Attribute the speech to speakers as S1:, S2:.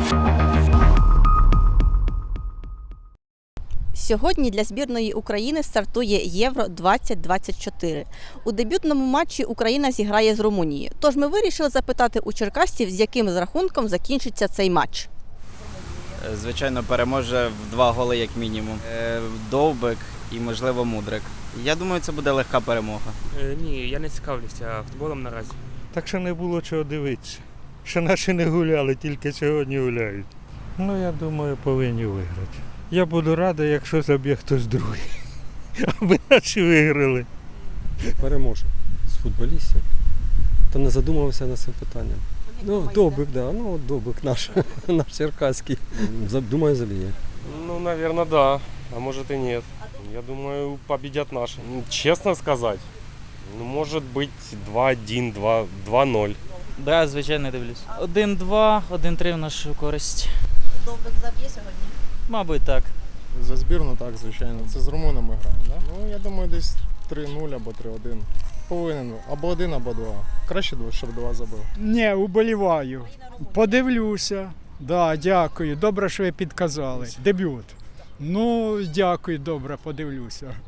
S1: Сьогодні для збірної України стартує Євро-2024. У дебютному матчі Україна зіграє з Румунією. Тож ми вирішили запитати у черкасців, з яким рахунком закінчиться цей матч.
S2: Звичайно, переможе в 2 голи як мінімум. Довбик і, можливо, Мудрик. Я думаю, це буде легка перемога.
S3: Ні, я не цікавлюся футболом наразі.
S4: Так що не було чого дивитися. Що наші не гуляли, тільки сьогодні гуляють. Ну, я думаю, повинні виграти. Я буду радий, якщо заб'є хтось другий. Аби наші виграли.
S5: Переможе з футболістів. Та не задумувався над цим питанням. Ну, Довбик, да. Ну, Довбик наш черкаський. Думаю, заб'є.
S6: Ну, наверное, да. А может и нет. Я думаю, победят наши. Ну, честно сказать, ну, может быть 2-1, 2-0.
S7: Да, звичайно, дивлюсь. 1-2, 1-3 в нашу користь.
S1: Довбик заб'є сьогодні?
S7: Мабуть, так.
S8: За збірну так, звичайно. Це з румунами граємо, так? Да? Ну, я думаю, десь 3-0 або 3-1. Повинен. Або 1, або 2. Краще, щоб 2 забив.
S9: Ні, уболіваю. Подивлюся. Да, дякую. Добре, що ви підказали. Дебют. Ну, дякую, добре, подивлюся.